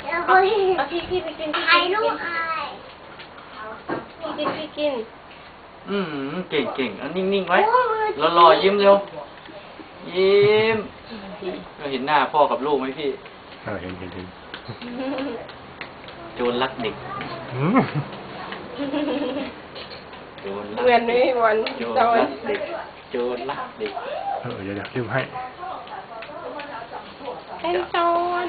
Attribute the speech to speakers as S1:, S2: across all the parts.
S1: เอาพี่ไปกินพี่กิน
S2: เก่งเอานิ่งๆไว้รอยิ้มเร็วยิ้มเราเห็นหน้าพ่อกับลูกไหมพี่
S3: เห็น
S2: โจรรักเด็กโจรรัก
S1: เหมือนไม่มีวัน
S2: โจรรักเด็กโจรรักเด็ก
S3: เดี๋ยวลืมให้
S1: เป็นโจร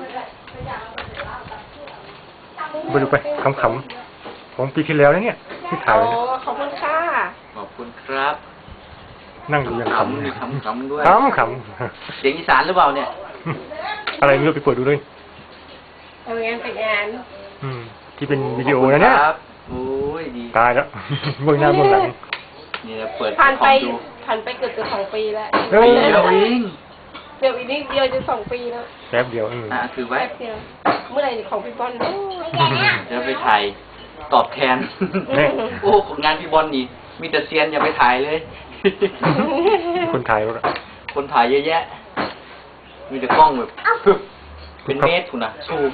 S3: ไปดูไปขำๆของปีที่แล้วนะเนี่ยที่ถ่ายไว้นะ
S1: ขอบคุณค่ะ
S2: ขอบคุณครับ
S3: นั่งดูยังขำ
S2: ด้วย
S3: ข
S2: เสียงอีสานหรือเปล่าเนี่ย
S3: อะไรไม่รู้ไปเปิดดูด้วย
S1: งานแต่งงาน
S3: ที่เป็นวิดีโอนะเนี่ย
S2: โอ้ยดี
S3: ตายแล้วเบื้องหน้าเบื้องหลัง
S2: นี่เปิด
S1: ผ่านไปเกือบจะ2 ปีแล้ว
S2: เดี๋ยวอี
S1: กนิดเดียวจะ2 ปีแล้ว
S3: แป๊บเดียว
S2: คือไว้
S1: เมื่อไหร่ของพี่บอล
S2: จะไปถ่ายตอบแทนโอ้งานพี่บอลนี่มีแต่เซียนอย่าไปถ่ายเลย
S3: คนถ่ายแล้ว
S2: คนถ่ายเยอะแยะมีแต่กล้องแบบเป็นเมตรคุณนะซูม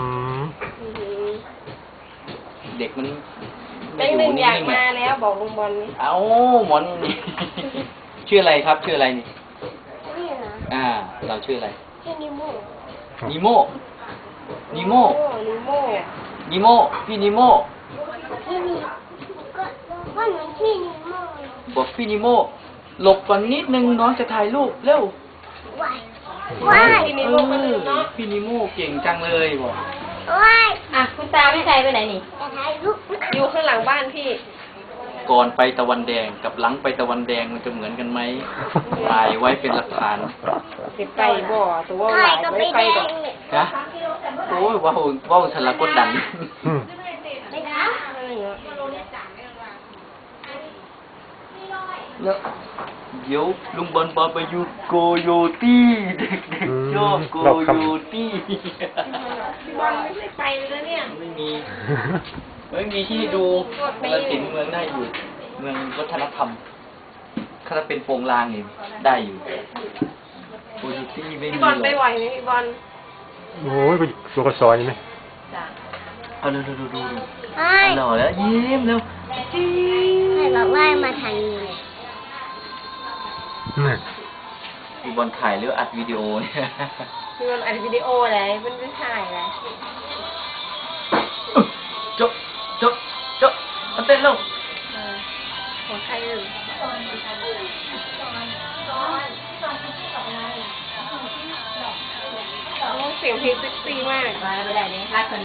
S2: เด็กมัน
S1: ไม่อยู่นิ่งๆมาแล้วบอกลุงบอลนี่
S2: เอ้าหมอนนี่ชื่ออะไรครับชื่ออะไรนี่เราชื่ออะไร
S1: ชื่อนิโม่
S2: พี่นิโม่พี่นิโม่บอกพี่นิโม่หลบก่อนนิดนึงน้องจะถ่ายรูปเร็วพี่นิโม่เก่งจังเลยบอก
S1: คุณตาไม่ใช่ไปไหนนี่อยู่ข้างหลังบ้านพี่
S2: ก่อนไปตะวันแดงกับหลังไปตะวันแดงมันจะเหมือนกันไหมถ่ายไว้เป็นหลักฐาน
S1: ไปบ่ตัวหลายไม่ไปดอก
S2: นะโอ้ยว้าวฉลาดกดดันแล้วเดี๋ยวลุงบอลพาไปอยู่โกโยตี้เด็กๆชอบโกโยตี้
S1: พี่บอลไม่ได้ไปเลยเนี่ย
S2: ไม่มีที่ดูกาฬสินธุ์เมืองได้อยู่เมืองวัฒนธรรมถ้าเป็นโปงลางนี่ได้อยู่โกโยตี้ไม่มี
S1: พี่บอลไปไหวไหมพี่บอล
S3: โอ้ยตัวกระสอยไหม
S2: เอาดูหล่อแล้วยิ้มแล้ว
S1: ใครบอกว่ามาทางนี้
S2: พี่บอลถ่ายหรืออัดวิดีโอเนี่ย
S1: พี่บอลอัดวิดีโออะไรเป็นไม่ถ่ายอะไร
S2: จบมาเต้นลง
S1: ของใครอยู่เสียงเพลงเซ็กซี่มาก